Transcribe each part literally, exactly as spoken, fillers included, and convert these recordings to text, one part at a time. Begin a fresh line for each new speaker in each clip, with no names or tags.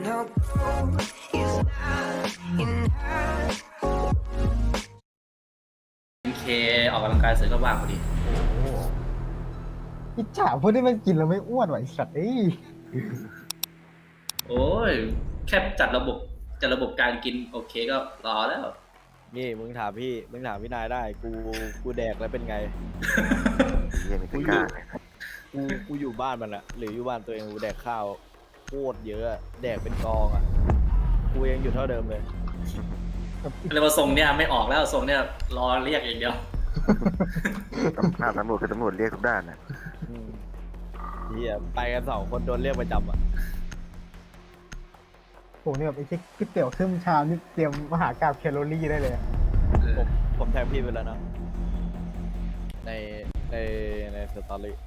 เคออกกำลังกายเสร็จก็ว่างพอดี
อิจฉาพวกที่มันกินแล้วไม่อ้วนไหวะไอ้สัตว์เอ้ย
โอ้ยแค่จัดระบบจัดระบบการกินโอเคก็รอแล้ว
นี่มึงถามพี่มึงถามพี่นายได้กูกูแดกแล้วเป็นไง
เหี้ยังไม่กล้า
กูกูอยู่บ้านมันอะหรืออยู่บ้านตัวเองกูแดกข้าวโคตรเยอะอะแดกเป็นกองอะกูยังอยู่เท่าเดิมเลย
เลยว่าทรงเนี่ยไม่ออกแล้วทรงเนี่ยรอเรียกอย่างเดียว
ตำรวจตำรวจคือตำรวจเรียกทุกด้านนะ
อืมเฮียไปกันสองคนโดนเรียกประจำอะ
ผมเนี่ยแบบไอ้เช็คก๋วยเตี๋ยวครึ่งชามนี่เตรียมมหากราบแคลอรี่ได้เลยอะ
ผมผมแทงพี่ไปแล้วนะในในในสตอรี่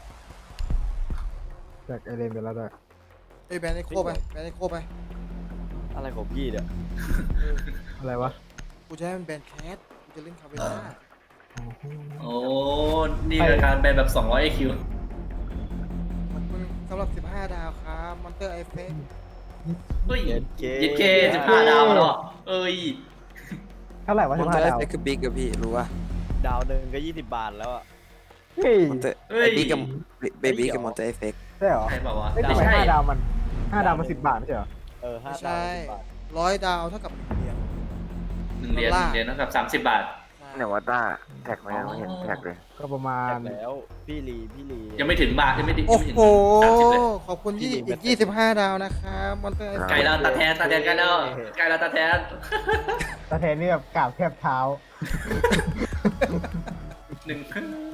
จากไอเลนไปแล้วด้วย
เอ้ยแบนไอโคไปแบนไอโคไป
อะไรของพี่เนี่ย
อะไรวะ
กูจะให้มันแบนแคสกูจะเล่นคาเวน่า
โอ้นี่คือการเป็นแบบสองร้อย ไอ คิว
ขอบคุณสำหรับสิบห้าดาวครับมอนเตอร์ไอเฟก
เฮ้ย
เย็นเก
ยิดเคสิบห้าดาวแล้วเหรอเอ้ย
เท่าไหร่วะ
ม
สิ
อน
บ
เตอ
ห้า
ร์เอ
ดาว
ฟเฟกต์คือบิ๊กกับพี่รู้ป่ะ
ดาวหนึ่งก็ยี่สิบบาทแล้วอะ
เฮ้ย
มอนเตอร์
เฮ้
ไอย บิ๊กกับเบบี้กับมอนเตอร์เอฟเฟกต์
ใช่เหรอ
ใช่เปล่าวะ
ไม่
ไม่
ใช่
ใช่
ห้าดาวมันห้าดาวมันสิบบาทไม่ใช่เหรอ
เออห้า
ไม่
ดาว
ใช่
สิบบาท
ร้อยดาวเท่ากับหนึ่งเหรียญ
หนึ่งเหรียญหนึ่งเหรียญนะครับสามสิบบาท
เนี่ยวัตต้าแท็กมายังไม่เห็นแท็กเลย
ก็ประมาณ
แจกแล้วพี่ลีพี่ลี
ยังไม่ถึงบาทยังไม่ถึง
โอ้
ยังไม่ถึง
โห
สามสิบเลย
ขอบคุณยี่อีกยี่สิบห้าดาวนะครับมอนเตอร์ไอเฟ
ไกล
ก
แล้วตาแทนตาแทนไกลแล้วไกลแล้วตาแทน
ตาแทนนี่แบบกราบแทบเท้า
หนึ่ง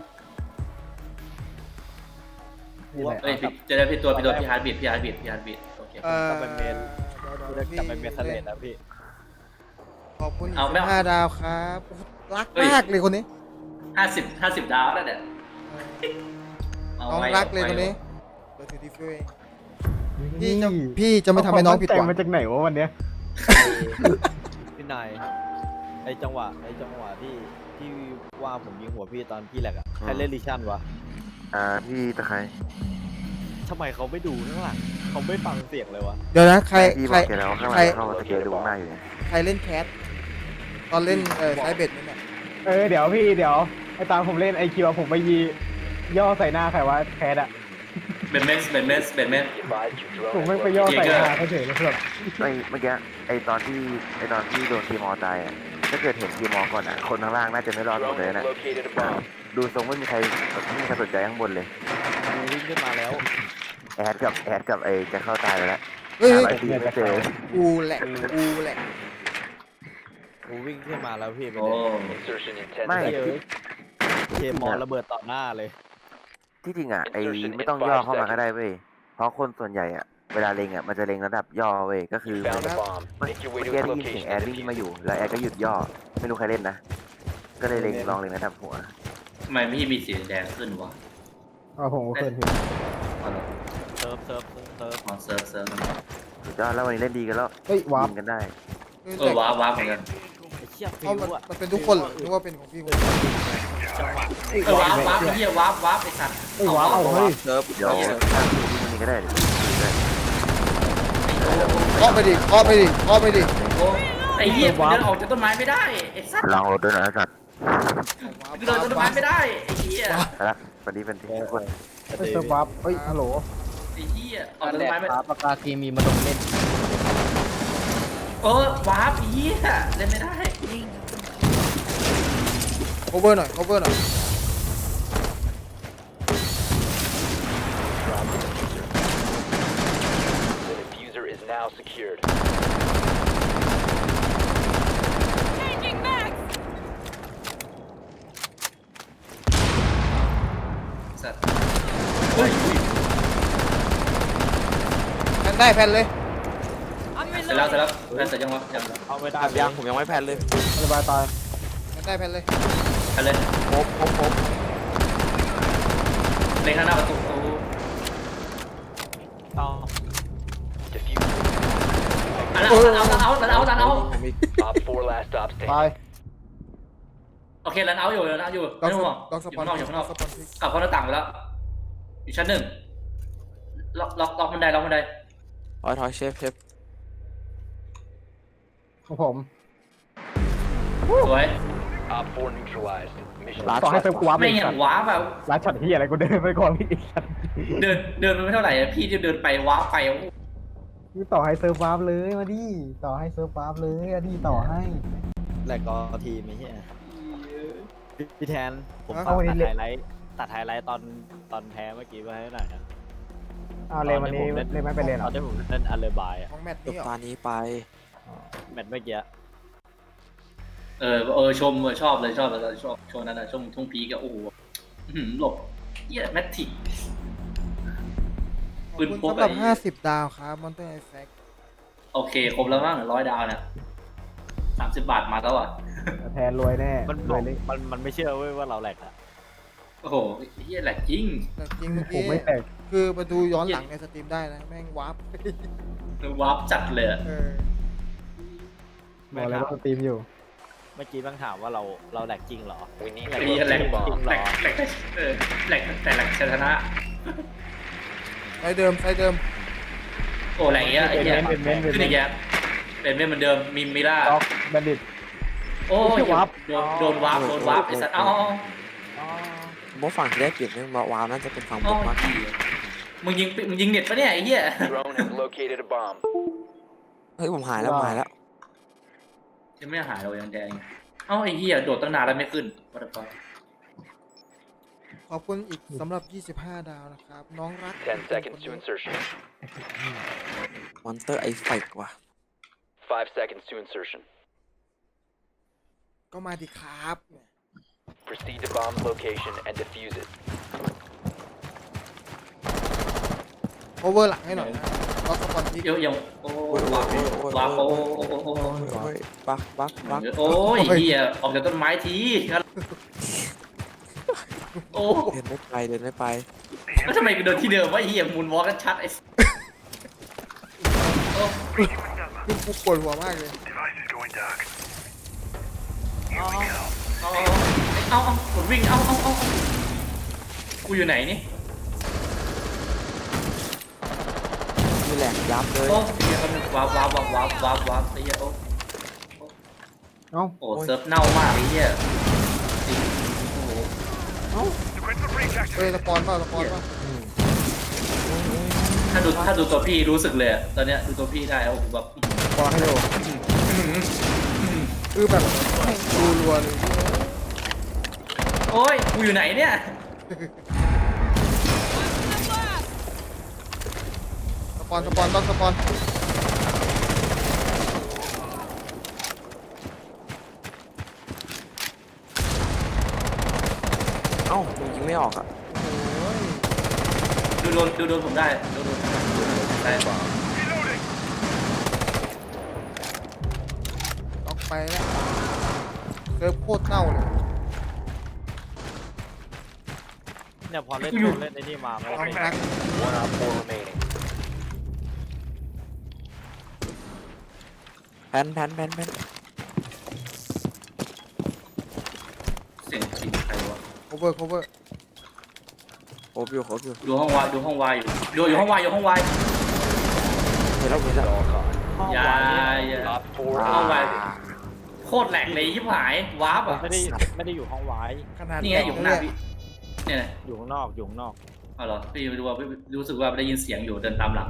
นี่แหละ
เฮ้ยพี่เจะได้พี่ตัวพี่ตัวพี่ฮาร์ดบีทพี่ฮาร์ดบีทพี่ฮาร์ดบีทโอเค
เอ่อก
ลับไปเมนกูจะกลับไปเมนทะเลแล้วพี่
ขอบคุณอีกสิบห้าดาวครับรักมากเลยคนนี้
ห้าสิบห้าสิบดาวแล้วเนี่ยเอา
น้อง
ไว้
รักเลย
อา
คน
ไว้
นี้เบอร์ถือที่ฟิวเองพี่จะพี่จะไม่ทำให้น้องผิดหวัง
เาความตั้ใจมาจากไหนวะวันเนี้ย
พี่นายไอจังหวะไอจังหวะที่ที่ว่าผมยิงหัวพี่ตอนพี่แหลกอะใครเล่นลิชั่นวะ
อ่าพี่ตะไคร้
ทำไมเขาไม่ดูข้างหลังเขาไม่ฟังเสียงเลยวะ
เดี๋ยวนะใคร
พี่บ
ใคร
อกแกแล้วข้างห
ใคร
ลังเข้ามาสเกลดูข้างหน้าอยู่เนี่ย
ใครเล่นแคสตอนเล่นเออใช้เบ็ดนี่แหละ
เออเดี๋ยวพี่เดี๋ยวไอตอนผมเล่นไอคิวผมไปยีย่อใส่หน้าใครวะแคทอะ
เบนเมสเบนเมสเบนเมส
ผมไม่ไปย่อใส่หน้าเขาเฉยเลยแบบ
ไอ้เมื่อกี้ไอ้ตอนที่ไอ้ตอนที่โดนทีมอตายอ่ะถ้าเกิดเห็นทีมอก่อนอ่ะคนข้างล่างน่าจะไม่รอดหมดเลยนะดูทรงไม่มีใครไม่มีใครสนใจข้างบนเลย
กูวิ่งขึ้นมาแล้ว
แอดกับแอดกับไอ้จะเข้าตายไปแล้ว
เฮ้ย
หา
เฮ้ย
อะไรทีไม่เจอ
กูแหละกูแหละ
กูวิ่งขึ้นมาแล้วพี่ไป
โอ้
ไม่
เฮ้ย
ที่
เคมอลระเบิดต่อหน้าเลย
ที่จริงอ่ะไอ้ไม่ต้องย่อเข้ามาก็ได้เว้ยเพราะคนส่วนใหญ่อ่ะเวลาเล็งอ่ะมันจะเล็งระดับย่อเว้ยก็คือเมื่อกี้ได้ยินเสียงแอดวิ่งมาอยู่แล้วแอดก็หยุดย่อไม่รู้ใครเล่นนะก็เลยเล็งลองเล็งระดับหัว
ทำไมพี่มีสีแดงขึ้นวะ
อ๋อผมก็เคยเห็น
อ๋อเหรอ
เซิร์ฟเซิร์ฟเซิร์ฟ
อ๋อเซิร์ฟเซิร์ฟ
สุดยอดแล้ววันนี้เล่นดีกันแล้ว
เฮ้ยว้าว
ยิงกันได้
เออว้าวว้าวเหมือนกัน
ไอ้เชี่ยฟิ
เอา
ว
มัน
อะ
มันเป็นทุกคนเหรอนึกว่าเป็นของพี่คนเดียว
จังหวะ
เออว้าวว้าวไอ้เหี้ยว้าวว้าวไอ้สัตว์
เฮ้ยว้าวเอาเฮ้ย
เซิร์ฟ
เดี๋ยวถ้าพี่ยิงวันนี้ก็ได้เดี๋ยวยิงได้
เคาะไปดิเคาะไปดิเคาะไปดิ
โอ้ไอ้เหี้ยกูเดินออกจากต้นไม้ไม่ได้ไอ้สัตว์
ลองรถด้วยนะสัตว์
กูเดินจากต้นไม้ไม่ได้ไอ้เหี้ย
ไปละสวัสดีเป็นทุกคน
เฮ้ยเซอร์บัฟเฮ้ยฮัลโหล
ไอ้เหี้ยออกจากต้นไม้ไม่
ปากกาเคมีมาลงเล่น
เออว้าวไอ้เหี้ยเล่นไม่ได้
โคเวอร์หน่อยโคเวอร์หน่อย
สัตว์เฮ้ย
แพนได้แพนเลย
เสร็จแล้วเสร็จแล้วแพ้เสร็จยังวะยัง
เอาไม่ได้
แบบยังผมยังไม่แพลนเลย
สบายตาย
แพนได้แพนเลย
ไปเลย
ครบครบครบ
เล็งข้างหน้าประตู
ต่อ
อันนั้นเอาเอาเอาเอาเอาเอา
ผมอีก
ตาย
โอเครันเอาอยู่รันเอาอยู่
ล็อ
ไม่
ก
ต้อง
ส
ห่วง
ล็อกส
อยู่
ปอน
ข้างนอกอยู่ข้างนอก
สปอนพิก
กลับเข้าหน้าต่างไปแล้วอยู่ชั้นหนึ่งล็อกล็อกล็อกบันไดล็อกบันได
ถอยถอยเชฟเชฟ
ของผม
สวย
Op four neutralized. Mission
ร้าน
ต่อให้เซิร์ฟกูว้าไป
ไม่
อีก
อย่า
สั
ง
ตว์
ว้าแบบ
ร้านช็อตที่อะไรกูเดินไปก่อนอีกสัตว์
เดินเดินไปไม่เท่าไหร่อะพี่จะเดินไปว้าไปโอ้โห
นี่ต่อให้เซิร์ฟวาร์ปเลยมาดิต่อให้เซิร์ฟวาร์ปเลยอะดิต่อให้
แหลกก็ทีมไม่ใช่พี่พี่แทนผม
เอา
ตัด
วันนี้
ไฮไลท์ตัดไฮไลท์ตอนตอนแพ้เมื่อกี้ไว้ให้หน่อยนะ
เอาเลยวันนี้เล่นไม่เป็นเลยเหร
ต
อ
อนที่ผมเล่นอัลเลบายอะ
ของแมตช์
จบ
นี้เหรอ
ตอนนี้ไป
แมตช์เมื่อกี้
เออเออชมเออชอบเลยชอบเลยชอบช่วงนั้นอะช่วงช่วงพีก็โอ้โหอื้อหือหลบเหี้ยแมททิก
ขอบ
ปืน
คุณ
พก
สำหรับ
ไอ้
ห้าสิบดาวครับมอนเตอร์ไอแฟก
โอเคครบแล้วมั้งร้อยดาวเนี่ยสามสิบบาทมาแล้วอ่ะ
แทนรวยแน่
มัน
รวยเลย
มันมันไม่เชื่อเว้ยว่าเราแหลกอะ
โอ้โหเฮียแหลกจริง
แต่จริงเมื่อ
ผ
กี้
มไม่แตก
คือมาดูย้อนหลังในสตรีมได้นะ แม่งวาร์ป
วาร์ปจัดเลยอะ
เออ
บอกเลยว่าสตรีมอยู่
เมื่อกี้บางถามว่าเราเราแหลกจริงเหรอ
We need
ไอ้
to
เฮียแหลก
locate a
แหล
bomb.
กแหลกเออแหลกแต่แหลกชนะ
ไซเดิมไซเดิม
โอ้แหลกเงี้ยไอ้เหี้ย
เป็นเม้นเป็นเม้น
ขึ้นอีกแล้วเป็นเม้นเหมือนเดิมมิมิล่า
ล็อกแบนดิต
โอ้
ไม่
ย
ใช่วาร์ป
โดนโดนวาร์ปโดนวาร์ปไอ้สัตว์เอ้า
ผมว่าฝั่งที่ได้เปรียบเนี่ยมาวาวน่าจะเป็นฝั่งผ
เอ้าม
มากกว่า
มึงยิงมึงยิงเน็ตปะเนี่ยไอ้เหี้ย
Drone has located a bomb.
เฮ้ยผมหายแล้วผมหายแล้ว
ยังไม่หายเลยยังแดงเอ้าไอ้เหี้ยโดดตั้งนานแล้วไม่ขึ้น what the fuck
ขอบคุณอีกสำหรับยี่สิบห้าดาวนะครับ น้องรัก
Ten seconds to insertion.
มอนเตอร์ไอเฟกว่ะ
Five seconds to insertion.
ก็มาดิครับ
Proceed to bomb location and defuse it.
โอเวอร์หลังให้หน่อยนะล็อกสปอนทิก
เดี๋ยวยังโอ้
โอ้ยโอ้
วาย ร์ป
โอ้ยว
าร์ปโอ้โอ้โอ้โอ้
โอ้ยโอ้ยบักบักบัก
โอ้ยเหี้ยออกจากต้นไม้ทีโอ้
เดินไม่ไปเดินไม่ไป
แล้วทำไมกูเดินที่เดิมวะไอ้เหี้ยมูนวอล์กชัดไอ้โอ้
คือกูปวดหัวมากเลย
เอาเอาเอาเอากดวิ่งเอาเอาเอากูอยู่ไหนนี่
มีแหลกยับเลย
โอ้เหี้ยมันว้าวว้าวว้าวว้าวว้าวว้าวไอ้เหี้ยโอ้
เอ้า
โอ้เซิร์ฟเน่ามากไอ้เหี้ยจริงโอ้โห
เฮ้ยสปอนเปล่าสปอนเปล่า
ถ้าดูถ้าดูตัวพี่รู้สึกเลยอะตอนเนี้ยดูตัวพี่ได้โอ้โหแบบ
บอลให้ดู
คือแบบดูรัวเลย
โอ้ยกูอยู่ไหนเนี่ย
สปอนสปอนต้องสปอน
เอ้าผมยิงไม่ออกอ่ะ
โอ้ย
ดูโดนดูโดนผมได้ดูโดนได้ป่ะ
ล็อกไปแล้วเซิร์ฟโคตรเน่าเลย
เนี่ยพอเล่นเล่นไอ้นี่มามัน
น้อง
เป็น
รัก
One op four remaining.
แพนแพนแพนแพน
เสียงจริงใครวะ
โคเวอร์โคเวอร์
โอบอยู่โอบอยู่
ดูห้องวายดูห้องวายอยู่ดูอยู่ห้องวายอยู่ห้องวาย
เห็นแล้วเห็นแล้ว
All caught.
อย่าอย่า
Op four
ห้องวาย
eliminated.
โคตรแหลกเลยยิบหายวาร์ปอ่ะ
ไม่ได้ไม่ได้อยู่ห้องไว้
ขนาด
นี่ไงอยู่ข้างหน้าพี่เนี่ยนะ
อยู่ข้างนอกอยู่ข้างนอก
เอาเหรอพี่ไม่รู้ว่าพี่รู้สึกว่าได้ยินเสียงอยู่เดินตามหลัง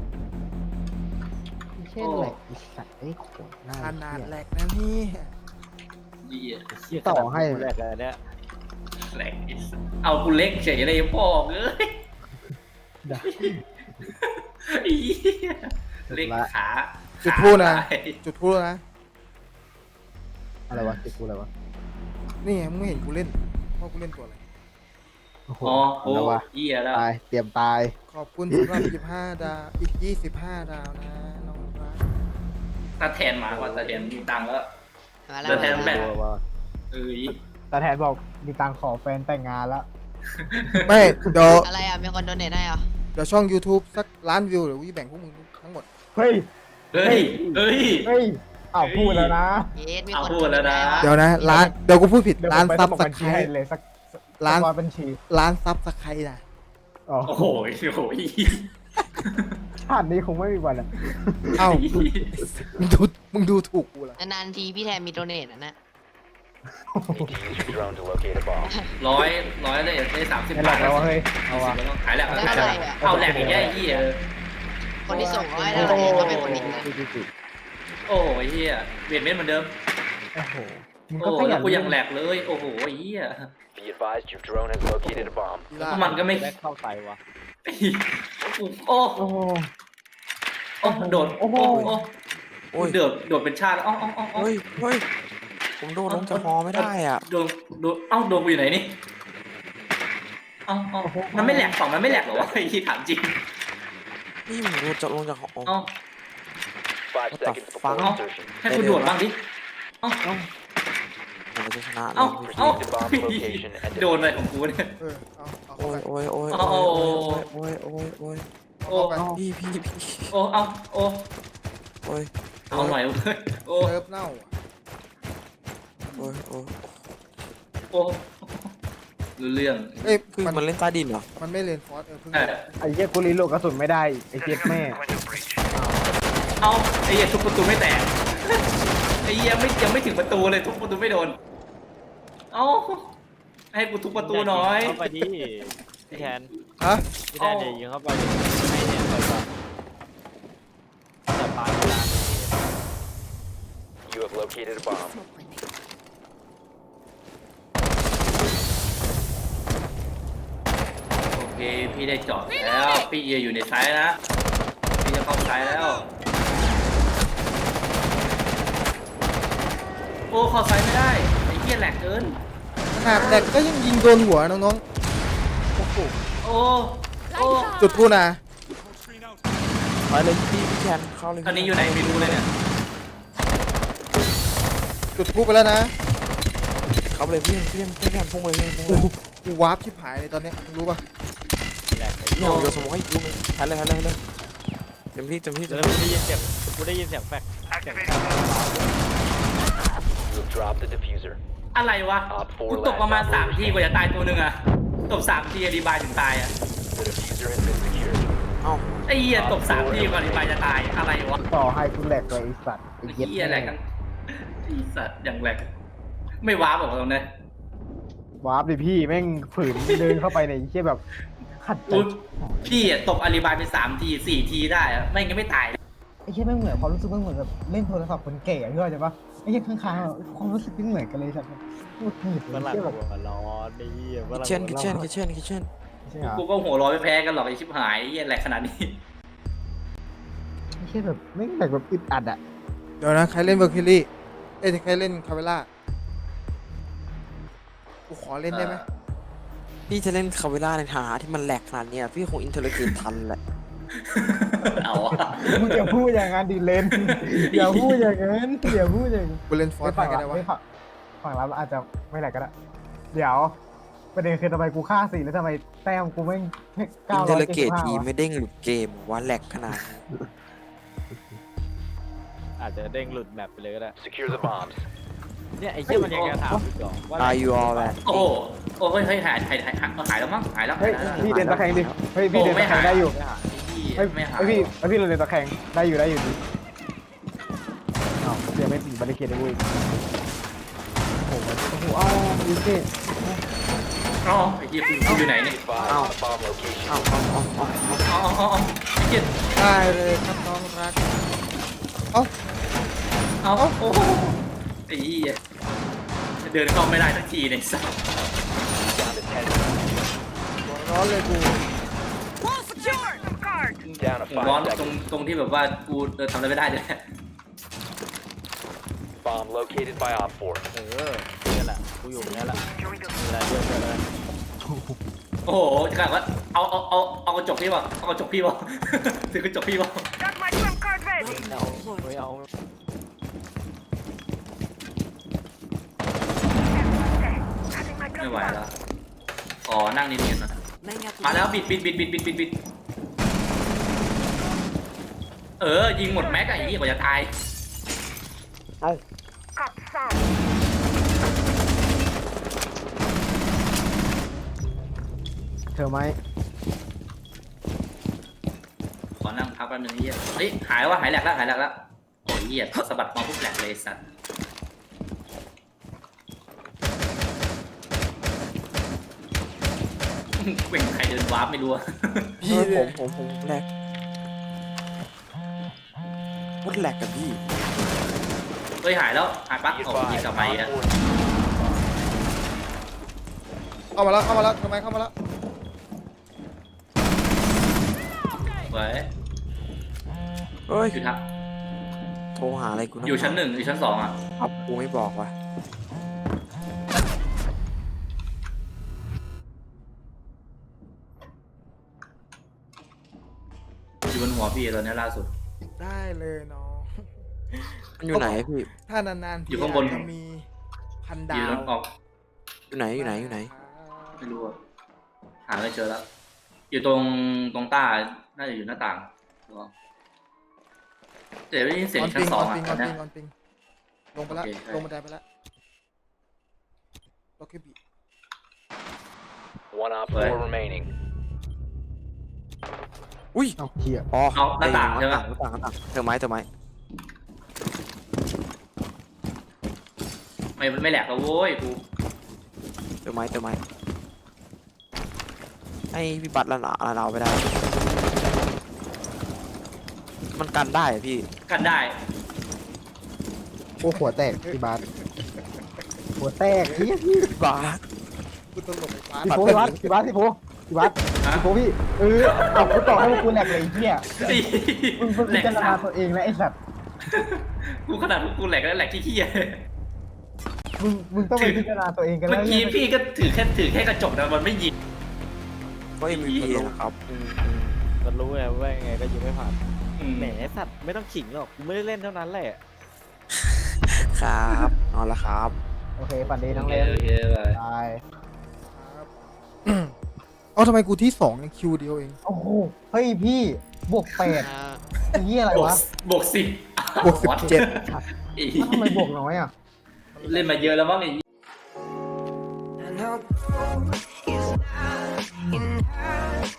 ไม่ใช่แหลกอีสัตว์ไอ้โขนหน้า
ขนาดแหลกนะนี่
ยี่
เหี้ย
ต่อให้
แหลกเลยเนี่ย
แหลกไอ้สัสเอากูเล็กเฉยเลยพ่อเอ้ย
ได้
ไอ้เหี้ยเล็กขา
จุดพูดนะ
ขาตาย
จุดพูดนะ
อะไรวะติดกูอะไรวะ
นี่ไงมึงไม่เห็นกูเล่นว่ากูเล่นตัวอะไร
โอ้โห
อ๋อโอ้
แล้ววะ
เหี้ยแล้ว
ตายเตรียมตาย
ขอบคุณสำหรับยี่สิบห้าดาวอีกยี่สิบห้าดาวนะน้องรัก
ตาแทนมาว่าตาแทนมีตังค์แล้ว
มาแล้ว
แล้วแทน
มา
แบ
แล้ว
บ
ว่า
เอ้ย
ตาแทนบอกมีตังค์ขอแฟนแต่งงานแล้ว
ไม่เดี๋ยว
อะไรอ่ะ มีคนโดเนทให้เหรอ
เดี๋ยวช่อง YouTube สักล้านวิวเดี๋ยววิแบ่งพวกมึงทั้งหมด
เฮ้ย
เฮ้ยเฮ้ย
เฮ้ยอ้าวพูดแล้วนะ
เยสมี
เอา
คน
พูดแล้วนะ
โเทให้
เดี๋ยวนะล้านเดี๋ยวกูพูดผิด
เดี๋ยว
ล้าน
ผมไป
ซับ
สมัคร
ส
บัญ
ไค
ชี
ร
ให้
ต์
เลยสัก
ล้าน
สมัครบัญชี
ล้านซับสไครต์นะ
อ๋อ
โอ้โหโอ้โห
ชาตินี้คงไม่มีวันอะ
เอ้ามึงดูมึงดูถูกกูละ
นานๆทีพี่แทนมีโดเนทนะนะ
Need to use your drone to locate a bomb.
ร้อยร้อยเลยได้สามสิบ
ไม่หลั
บาก ท
แล้ววะเฮ้ยเอาวะ
ขายแหลก
แล้ว
ขาย
อะ
แหล
ไร
ก
อ่ะ
เอาแหลกอีกแย่ยี่เออ
คนที่ส่งร้อยได้เลยก็เป็นคนนี้นะ
โอ้ยเฮียเวียดเม็ดเหมือนเดิม
โอ้โหมึง
โอ้
ก็ข
แล้
ยั
วน กูยังแหลกเลยโอ้โหเฮีย
Be advised your drone has located a bomb.
อีล่า
มันก็ไม่
แบ็คเข้าใส่วะ
โอ้
โอ้โห
โอ้โดด
โอ้
โอ้
โห
โอ้
โอ้ย
โดดโดดเป็นชาติอ๋ออ๋ออ๋อ
เฮ้ยเฮ้ยผมโดนลงจากฮอไม่ได้อ่ะ
โดนโดนเอ้าโดนกูอยู่ไหนนี่เอ้าเอ้ามันไม่แหลกสองมันไม่แหลกเหรอวะไอ้ที่ถามจริง
นี่ผมโดนจะลงจากฮอ
เอ้า
Five
What the
seconds before
fuck?
insertion.
ให้กูโดดบ้างดิเอ้า
ผมจะชนะ
เอ้า
เลย
เอ้า
Proceed to bomb location and
โดนอะไรของกูเนี่ย
เออเอาเอา
โอ้
เข้าย ไป
โอ้ยโอ้ย
เอา
โอ้ย
เอา
โอ้ยโอ้ยโอ้ย
โอ้
เอาเข้าไป
พี่พี่พี่
โอ้เอาโอ้
โอ้ย
เอาหน่อยเว้ยโอ้
เซิร์ฟเน่าอะ
โอ้ยโอ้ย
โอ้รู้เรื่อง
เอ้ย
คือ
มัน
มันเล่นใต้ดินเหรอ
มันไม่เลนฟอสเออเพิ่ง
เออ
ไอ้เหี้ยกูรีโหลดกระสุนไม่ได้ไอ้เจ็บแม่
เอาไอ้เหี้ยทุบประตูไม่แตกไอ้เหี้ยไม่ยังไม่ถึงประตูเลยทุบประตูไม่โดนเอาให้กูทุบประตูหน่อย
เข้าไปดิพี่แทน
ฮะ
พี่แทนอย่ายิงเข้าไปให้เนี่ยไปก่อนแต่ปาเวลา
you have located a bomb.
โอเคพี่ได้จอดแล้วพี่เออยู่ในไซส์นะพี่จะเข้าไซส์แล้วโอ้เข้าไซส์ไม่ได้ไอ้เหี้ยแหลกเกิน
ขนาดแดกก็ยังยิงโดนหัวน้อง
โอ้โหโอ้โอ้
ๆ จุดกูนะ
ไปเลยพี่พี่แคนเข้าเลย
ตอนนี้อยู่ไหนไม่รู้เลยเนี่ย
จุดกูไปแล้วนะ
เข้าไปเลยพี่พี่พี่แคนพุ่งไปเลยพุ่ง
กู
เลย
กูวาร์ปชิบหายเลยตอนเนี้ยมึงรู้ป่ะ
แหลกไอ้
พี่เอาโยนสมองให้ลูกนึงทันเลยทันเลยทันเลยเต็มที่เต็มที่
เดี๋
เต็
ยว
ม
กู
ที่
ได้ยินเสียงกูได้ยินเสียงแฟกเสียง
You have dropped the diffuser.
อะไรวะ
Op four
กูตกประมาณ
last
สาม
operator
ทีกว่าจะตายตัวหนึ่งอะตกสามทีอธิบายถึงตายอะ
The diffuser has been secured.
เอ้า
ไอ้เหี้ยตกสามทีก่อนอธิบายจะตายอะไรวะ
ต่อให้กูแหลกเลยไอ้สัตว์ไอ้
ไอ้
เหี้ย
เหี้ยแหลกกันไอ้สัตว์อย่างแหลกไม่ว้าบอกตรงนี้
วาร์ปดิพี่แม่งฝืนเดินเข้าไปในไอ้เหี้ยแบบขัดใจ
อุ๊ยพี่อะตกอธิบายไปสามทีสี่ทีได้อะไม่งั้นไม่ตาย
ไอ้เหี้ยแม่งเหมือนความรู้สึกแม่งเหมือนแบบเล่นโทรศัพท์คนแก่พี่เข้าใจปะไอ้เหี้ยข้างๆอะความรู้สึกไม่เหมือนกันเลยสัตว์พูดผิด
ฝรั่ง
เหี้ยแบบ
หัวร้อนไอ้เหี้ยฝรั่ง
เช่น
หัวร้
เช่น
อน
เช่นเช่น
ใช่เหรอ
กูก็หัวเร้อนไม่แพ้กันหรอกไอ้ชิบหายไอ้เหี้ยแหลกขนาดนี้
ไอ้เหี้ยแบบแม่งแบบแบบอึดอัดอะ
เดี๋ยวนะใครเล่นเบอร์คิลลี่เอ้ยใครเล่นคาเวล่ากูขอเล่นได้ไหม
พี่จะเล่นคาเวล่าในฐานะที่มันแหลกขนาดเนี้ยพี่คงอินเทอร์เน็ตทันแหละ
เอาอะ
มึงอย่าพูดอย่างนั้นดิเลนอย่าพูดอย่างนั้นอย่าพูดอย่างนั้น
กูเล่นฟอส
ไม่
ไป
ฝั่ง
กัน
ละ
ได้วะ
ไม่ฝั่งฝั่งละอาจจะไม่แหลกก็ได้เดี๋ยวประเด็นคือทำไมกูฆ่าสี่แล้วทำไมแต้มกูแม่ง
อิ
เก้าน
เท
ร้
อ
อย
ร์
เจ็ด
เก
สิ
ต
บห้า
ที
วะ
ไม่เด้งหลุดเกมว่าแหลกขนาดนี้
อาจจะเด้งหลุดแมปไปเลยก็ได้
Secure the bombs.
เนี่ยไอ้เหี้ยมันยังจะถามอีกเหรอว่า
Are you all that
โอ้โหโอ้เฮ้ยเฮ้ยหายหายหายหายหายแล้วมั้งหายแล้ว
เฮ้ย
หายแล้ว
พี่เดินตะแคงดิเฮ้ยพี่
โอ้
เดิน
ไม่
ตะแค
หาย
งได้อยู่
ไม่หา
เฮ้ย
ไม่หาย
เฮ้ยพี่เฮ้ยพี่เราเดินตะแคงได้อยู่ได้อยู่ดิอ้าวเสียไม่ติดบาริเคดเลยเว้ยโอ้โหโอ้โหอ้าวยูเซ่
อ๋อไอ้เหี้ยกูกูอยู่ไหนเนี่ย
Advise on the bomb location.
เอ้าเอ้าเอ้าเอ้าเอ้า
อ๋ออ๋ออ๋อไอ้เหี้ย
ได้เลยครับน้องรักเอ้า
เอาโอ้โหไอ้เหี้ยเดินเข้าไม่ได้สักทีในสัตว์
Down to ten.
หัวร้อนเลยกู
Down to
ผมร้อน
five
ตรง
seconds.
ตรงที่แบบว่ากูเดินทำอะไรไม่ได้เลย
Bomb located by Op four.
เออเนี่ยแหละกูอยู่เนี่ยแหละเวลาเยอะเลย
โอ้โหจะกลายว่าเอาเอาเอาเอากระจกพี่ป่ะเอากระจกพี่ป่ะ ถือกระจกพี่ป่ะ
ไม่เอาไม่เอา
ไม่ไหวแล้วอ๋อนั่งนิ่งๆหน่อยมาแล้วบิดบิดบิดบิดบิดบิดบิดเออยิงหมดแม็กอะไอ้เหี้ยกว่าจะตาย
เอ้า
เธอไหม
ขอนั่งพักแป๊บนึงไอ้เหี้ยเฮ้ยหายแล้ววะหายแหลกแล้วหายแหลกแล้วโอ้ยเหี้ยพอสะบัดมองปุ๊บแหลกเลยสัตว์เว่งใครเดินวาร์ปไม่รู้อะ
พี่ผมผมผมแหลกวัดแหลกกับพี่
เฮ้ยหายแล้วหายปั๊บ
Be
โอ้ยยิง
advised,
กลับไป
Op
อ่ะ
four
เข้ามาแล้วเข้ามาแล้วทำไมเข้ามาแล้ว
เว้ย
เฮ้ย
อยู่ทัก
โทรหาอะไรกูนะ
อยู่ชั้นหนึ่งอยู่ชั้นสองอ่ะ
ครับกูไม่บอกว่ะ
อยู่บนหัวพี่ตอนนี้ล่าสุด
ได้เลยน้อง
มันอยู่ไหนพี่
ถ้านานๆ
อยู่ข้างบน
จะมีพัน
อ
ดา
ยู่
ว
ตรงออก
อยู่ไหนอยู่ไหนอยู่ไหน
ไม่รู้อะหาไม่เจอแล้ว อยู่ตรงตรงใต้น่าจะอยู่หน้าต่างเดี๋ยวได้ยินเสียง
ออน
ชั้
ปิ
น
ง
ส
อ
อ
อง น
อ่ะ
ปิง
ต
อ
อ
อน น
เนี้
ปิ
ย
งออนปิงลงไปแล้ว
โอเคใช่
ลงบันไดไปแล้วล็อกเก็ตบี
One Op four remaining.
อุ้ย
เอาเหี้ย
อ๋อ
เอาหน้าต่างใช่ไหม
หน้าต่างหน้าต่างเธอไม้เธอไม้
ไม่ไม่แหลกแล้วโว้ยกู
เธอไม้เธอไม้ให้พี่บัตรละหนาละเราไปได้ มันกันได้อะพี่
กันได้
โอ้หัวแตกพี่บาสหัวแตกเหี้ย
บาส
กูตลกไอ้ฟ้า
พี่โฟพี่บาสพี่บาสพี่โฟพี่บาสพี่โฟพี่เออเอากูต่อให้พวกกูแหลกเลยไอ้เหี้ยมึงมึง
แหล
พิ
ก
จารณาตัวเองนะไอ้สัตว์
กูขนาดกูแหลกแล้วแหลกที่เฮีย
มึงมึงต้องไปพิจารณาตัวเองกัน
เมื่
แล้
อ
ว
กี้พี่ก็ถือแค่ถือแค่กระจกนะมันไม่ยิง
ก็ เอ็ม วี พี นะครับ
อืมอืมมันรู้ไงว่ายังไงก็ยิงไม่ผ่าน
อืม
แหมสัตว์ไม่ต้องขิงหรอกกูไม่ได้เล่นเท่านั้นแหละ
ครับนอนแล้วครับ
โอเคฝันดีทั้ง
โอ
เล่น
เคโอเคไป
ตาย
ครับเอาทำไมกูที่สองยังคิวเดียวเอง
โอ้โหเฮ้ยพี่บวกแปด
อ่า
ไอ้เหี้ยอะไร
บวก
วะ
บวกสิบบ
วกสิบเจ็ด
อี
อ้าวทำไมบวกน้อยอ่ะ
เล่นมาเยอะแล้วมั้งไอ้
And her goal is not in her